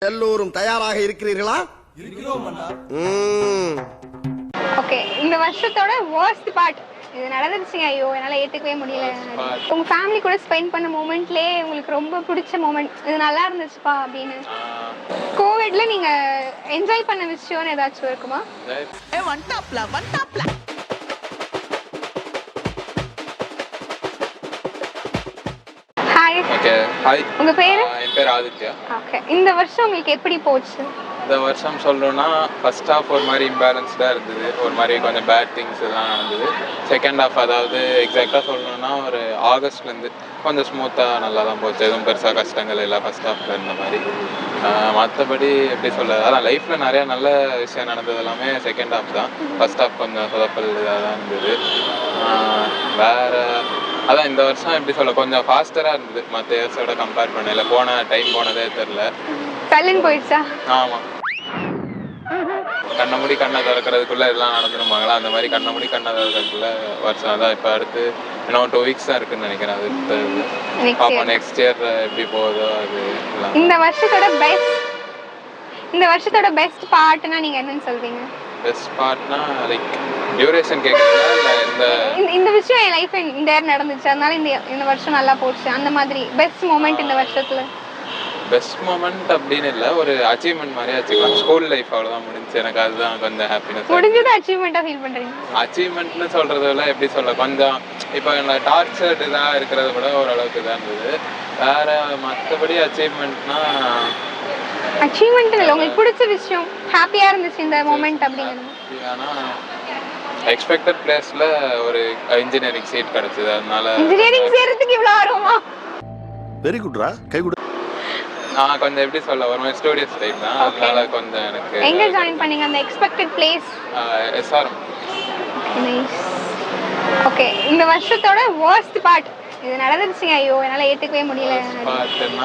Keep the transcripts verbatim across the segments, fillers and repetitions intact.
எல்லோரும் தயாராக இருக்கிறீர்களா? இருக்கிறோம் அண்ணா. ஓகே, இந்த வருஷத்தோட worst part இது நடந்துருச்சுங்க. ஐயோ என்னால ஏத்துக்கவே முடியல. உங்க ஃபேமிலி கூட ஸ்பெண்ட் பண்ண மொமெண்ட்லயே உங்களுக்கு ரொம்ப பிடிச்ச மொமெண்ட் இது நல்லா இருந்துச்சுப்பா அப்படின்னு கோவிட்ல நீங்க என்ஜாய் பண்ண விஷயம்னு ஏதாச்சும் இருக்குமா? ஏ ஒன் டாப்ல ஒன் டாப்ல ஹாய். Okay hi. உங்க பேரு? என் பேர் ஆதித்யா. ஓகே, இந்த வருஷம் உங்களுக்கு எப்படி போச்சு? இந்த வருஷம் சொல்லணும்னா ஃபர்ஸ்ட் ஹாஃப் ஒரு மாதிரி இம்பேலன்ஸ்டாக இருந்தது, ஒரு மாதிரி கொஞ்சம் பேட் திங்ஸ் எல்லாம் நடந்தது. செகண்ட் ஹாஃப் அதாவது எக்ஸாக்டாக சொல்லணும்னா ஒரு ஆகஸ்ட்லேருந்து கொஞ்சம் ஸ்மூத்தாக நல்லா தான் போச்சு. எதுவும் பெருசாக கஷ்டங்கள் இல்லை ஃபர்ஸ்ட் ஹாஃபில் இருந்த மாதிரி. மற்றபடி எப்படி சொல்ல, அதான் லைஃப்பில் நிறையா நல்ல விஷயம் நடந்தது எல்லாமே செகண்ட் ஹாஃப் தான். ஃபர்ஸ்ட் ஹாஃப் கொஞ்சம் சொதப்பல் இதாக தான் இருந்தது. வேறு அதான் இந்த வருஷம் எப்படி சொல்ல கொஞ்சம் ஃபாஸ்டராக இருந்தது மற்ற இயர்ஸோட கம்பேர் பண்ணல. போன டைம் போனதே தெரில. சைலண்ட் போயிடுச்சா? ஆமாம், கண்ணை மூடி கண்ணை திறக்கிறதுக்குள்ளே எல்லாம் நடந்துருமாங்களா, அந்த மாதிரி கண்ணை மூடி கண்ணை திறக்கிறதுக்குள்ள வருஷம் அதான். இப்போ அடுத்து இன்னும் டூ வீக்ஸ் தான் இருக்குன்னு நினைக்கிறேன். அது பார்ப்போம் நெக்ஸ்ட் இயர் எப்படி போகுதோ அது. இந்த வருஷத்தோட பெஸ்ட் இந்த வருஷத்தோட பெஸ்ட் பார்ட்னா நீங்க என்னன்னு சொல்வீங்க? பெஸ்ட் பார்ட்னா லைக் டியூரேஷன் கேட்குறீங்களா இல்லை இந்த இந்த விஷயம் என் லைஃப் இந்த இயர் நடந்துச்சு அதனால இந்த இந்த வருஷம் நல்லா போச்சு அந்த மாதிரி பெஸ்ட் மொமெண்ட் இந்த வருஷத்துல? பெஸ்ட் மொமெண்ட் அப்படின்னு இல்லை, ஒரு அச்சீவ்மெண்ட் மாதிரி வச்சுக்கலாம். ஸ்கூல் லைஃப் அவ்வளோதான் முடிஞ்சு. எனக்கு அதுதான் கொஞ்சம் ஹாப்பினஸ். முடிஞ்சது அச்சீவ்மெண்ட்டாக ஃபீல் பண்ணுறீங்க? அச்சீவ்மெண்ட்னு சொல்கிறத விட எப்படி சொல்ல கொஞ்சம் இப்போ இந்த டார்ச்சர்டு இதாக இருக்கிறத விட ஓரளவுக்கு தான் இருந்தது. வேறு மற்றபடி அச்சீவ்மெண்ட்னா அச்சீவ்மெண்ட் இல்லை, உங்களுக்கு பிடிச்ச விஷயம் ஹாப்பியாக இருந்துச்சு இந்த மொமெண்ட் அப்படிங்கிறது? ஆனால் எக்ஸ்பெக்டட் பிளேஸில் ஒரு இன்ஜினியரிங் சீட் கிடச்சிது. அதனால இன்ஜினியரிங் சேர்றதுக்கு இவ்வளோ ஆர்வமா? வெரி குட்ரா, கை கொடு. நான் கொஞ்சம் எப்படி சொல்ல ஒரு மாதிரி ஸ்டூடியஸ் டைப் தான். அதனால கொஞ்சம் எனக்கு. எங்கே ஜாயின் பண்ணீங்க அந்த expected place? SRM. Nice. Okay, இந்த வருஷத்தோட worst part இது நடந்துருச்சுங்க. ஐயோ என்னால் ஏற்றுக்கவே முடியல. பார்ட்டுன்னா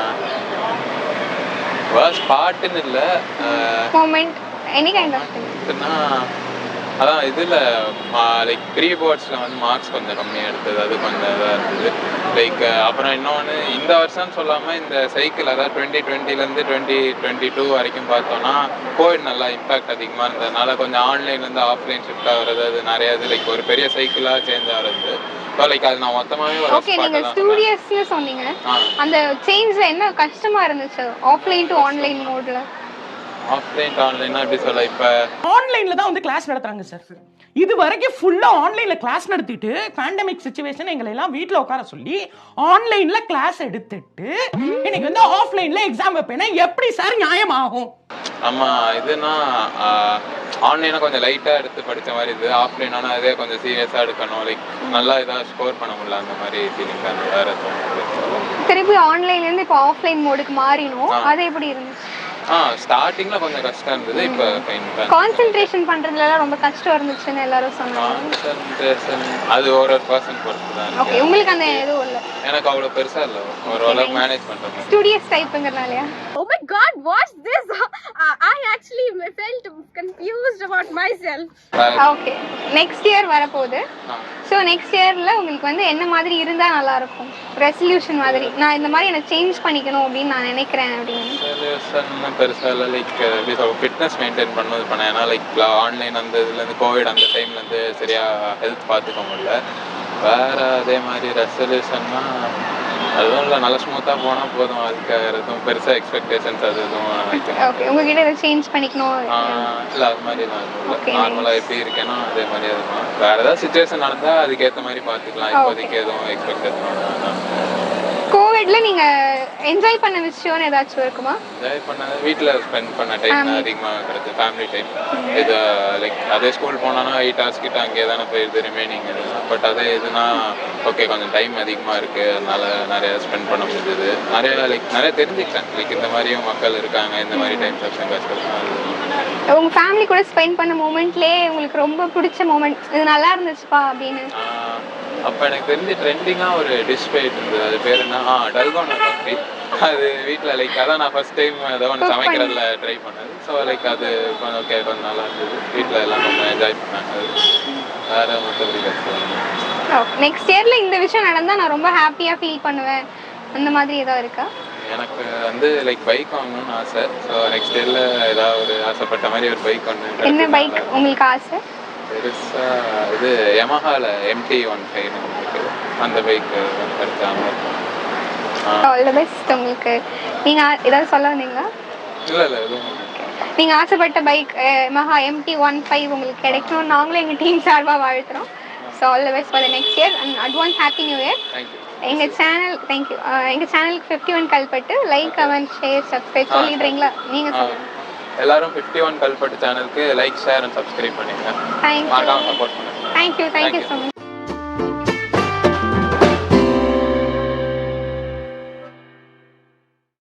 worst பார்ட்டுன்னு இல்லை, moment any kind of thing. அதான் இதில் லைக் ப்ரீ போர்ட்ஸில் வந்து மார்க்ஸ் கொஞ்சம் கம்மியாக எடுத்தது, அது கொஞ்சம் இதாக இருந்தது. லைக் அப்புறம் இன்னொன்று இந்த வருஷம்னு சொல்லாமல் இந்த சைக்கிள் அதாவது டுவெண்ட்டி டுவெண்ட்டிலேருந்து டுவெண்ட்டி டுவெண்ட்டி டூ வரைக்கும் பார்த்தோன்னா கோவிட் நல்லா இம்பாக்ட் அதிகமாக இருந்ததுனால கொஞ்சம் ஆன்லைன்லேருந்து ஆஃப்லைன் ஷிஃப்ட் ஆகிறது அது நிறைய இது லைக் ஒரு பெரிய சைக்கிளாக சேஞ்ச் ஆகிறது. ஸோ லைக் அது நான் மொத்தமாகவே ஒரு ஓகே, நீங்கள் ஸ்டூடியஸ்னு சொன்னீங்க. அந்த சேஞ்சில் என்ன கஷ்டமாக இருந்துச்சு ஆஃப்லைன் டு ஆன்லைன் மோடில்? ஆஃப்லைன் டு ஆன்லைன்னா எப்படி சொல்ல, இப்போ ஆன்லைன்ல தான் வந்து கிளாஸ் நடத்துறாங்க சார். இது வரைக்கும் ஃபுல்லா ஆன்லைன்ல கிளாஸ் நடத்திட்டு பேண்டமிக் சிச்சுவேஷன் எங்களை எல்லாம் வீட்டில் உட்கார சொல்லி ஆன்லைன்ல கிளாஸ் எடுத்துட்டு இன்னைக்கு வந்து ஆஃப்லைன்ல எக்ஸாம் வைப்பேன்னா எப்படி சார் நியாயமாகும்? ஆமாம், இதுனா ஆன்லைனாக கொஞ்சம் லைட்டாக எடுத்து படித்த மாதிரி இது. ஆஃப்லைனானா அதே கொஞ்சம் சீரியஸாக எடுக்கணும், லைக் நல்லா இதாக ஸ்கோர் பண்ண முடியல அந்த மாதிரி ஃபீலிங் தான். வேறு திருப்பி ஆன்லைன்லேருந்து இப்போ ஆஃப்லைன் மோடுக்கு மாறினோம், அது எப்படி இருந்துச்சு? ஆ ஸ்டார்டிங்ல கொஞ்சம் கஷ்டம் இருந்தது. இப்போ ஃபைன். கான்சென்ட்ரேஷன் பண்றதுல ரொம்ப கஷ்டம் இருந்துச்சுன்னு எல்லாரும் சொன்னாங்க. கான்சென்ட்ரேஷன் அது ஒரு ஒரு பர்சன் பொறுத்து தான். ஓகே, உங்களுக்கு அந்த எதுவும் இல்ல? எனக்கு அவ்வளவு பெருசா இல்ல, ஒரு அளவுக்கு மேனேஜ் பண்றேன். ஸ்டூடியஸ் டைப்ங்கறனாலயா? Oh my god, what's this? uh, I actually felt confused about myself. Okay, next year வர போகுது. சோ நெக்ஸ்ட் இயர்ல உங்களுக்கு வந்து என்ன மாதிரி இருந்தா நல்லா இருக்கும்? ரெசல்யூஷன் மாதிரி நான் இந்த மாதிரி என்ன சேஞ்ச் பண்ணிக்கணும் அப்படின்னு நான் நினைக்கிறேன் அப்படின்னு. ரெசல்யூஷன் பெருசா இல்லை, லைக் எப்படி சொல்ல ஃபிட்னஸ் மெயின்டைன் பண்ணது பண்ணேன். ஏன்னா லைக் ஆன்லைன் அந்த இதுலேருந்து கோவிட் அந்த டைம்லேருந்து சரியாக ஹெல்த் பார்த்துக்க முடியல. வேறு அதே மாதிரி ரெசல்யூஷன்னா அதுவும் இல்லை, நல்லா ஸ்மூத்தாக போனால் போதும். அதுக்காக எதுவும் பெருசாக எக்ஸ்பெக்டேஷன்ஸ் அது எதுவும் நினைக்கிறேன். ஓகே, உங்ககிட்ட இதை சேஞ்ச் பண்ணிக்கணும் இல்லை அது மாதிரி நான் இல்லை, நார்மலாக எப்படி இருக்கேனோ அதே மாதிரி இருக்கும். வேறு ஏதாவது சுச்சுவேஷன் நடந்தால் அதுக்கேற்ற மாதிரி பார்த்துக்கலாம். இப்போதைக்கு எதுவும் எக்ஸ்பெக்டேஷன். கோவிட்ல நீங்க என்ஜாய் பண்ண விஷயம்னு ஏதாச்சும் இருக்குமா? என்ஜாய் பண்ண வீட்டில் ஸ்பெண்ட் பண்ண டைம் அதிகமாக கிடைச்சு, ஃபேமிலி டைம். இது லைக் அதே ஸ்கூல் போனோன்னா எயிட் ஹவர்ஸ் கிட்ட அங்கே தானே போயிடுது ரிமைனிங். பட் அதே இதுனா ஓகே கொஞ்சம் டைம் அதிகமாக இருக்குது, அதனால நிறைய ஸ்பெண்ட் பண்ண முடிஞ்சது. நிறைய லைக் நிறைய தெரிஞ்சுக்கிட்டேன், லைக் இந்த மாதிரியும் மக்கள் இருக்காங்க, இந்த மாதிரி டைம் செப்ஷன் கஷ்டம். உங்க ஃபேமிலி கூட ஸ்பெண்ட் பண்ண மொமெண்ட்லயே உங்களுக்கு ரொம்ப பிடிச்ச மொமெண்ட் இது நல்லா இருந்துச்சுப்பா அப்படின்னு? அப்போ எனக்கு தெரிஞ்சு ட்ரெண்டிங்காக ஒரு டிஷ் போயிட்டு இருந்தது, அது பேர் என்ன, ஆ டல்கோனா காஃபி. அது வீட்டில் லைக் அதான் நான் ஃபர்ஸ்ட் டைம் ஏதோ ஒன்று சமைக்கிறதுல ட்ரை பண்ணது. ஸோ லைக் அது கொஞ்சம் ஓகே கொஞ்சம் நல்லா இருந்தது. வீட்டில் எல்லாம் கொஞ்சம் என்ஜாய் பண்ணாங்க. அது வேறு மற்றபடி கஷ்டம். நெக்ஸ்ட் இயரில் இந்த விஷயம் நடந்தால் நான் ரொம்ப ஹாப்பியாக ஃபீல் பண்ணுவேன் அந்த மாதிரி ஏதோ இருக்கா? எனக்கு வந்து லைக் பைக் வாங்கணும்னு ஆசை. ஸோ நெக்ஸ்ட் இயரில் ஏதாவது ஒரு ஆசைப்பட்ட மாதிரி ஒரு பைக் ஒன்று என்ன பைக் உங்களுக்கு ஆசை? பெருசாக இது யமஹாவில் எம்டி ஒன் ஃபைவ் இருக்குது, அந்த பைக்கு எடுத்தாங்க. ஆல் தி பெஸ்ட் உங்களுக்கு. நீங்கள் ஏதாவது சொல்ல வந்தீங்களா? இல்லை இல்லை எதுவும் நீங்கள் ஆசைப்பட்ட பைக் மஹா எம்டி ஒன் ஃபைவ் உங்களுக்கு கிடைக்கணும்னு நாங்களும் எங்கள் டீம் சார்பாக வாழ்த்துறோம். So all the best for the next year and advance happy new year. Thank you. எங்கள் சேனல் தேங்க்யூ எங்கள் சேனலுக்கு fifty one Kalpattu like comment share subscribe சொல்லிடுறீங்களா? நீங்கள் சொல்லுங்கள். எல்லாரும் ஃபிஃப்டி ஒன் கல்பட்டு சேனலுக்கு லைக் ஷேர் அண்ட் சப்ஸ்கிரைப் பண்ணிடுங்க. தேங்க்யூ மறக்காம சப்போர்ட் பண்ணுங்க. Thank you thank you so much.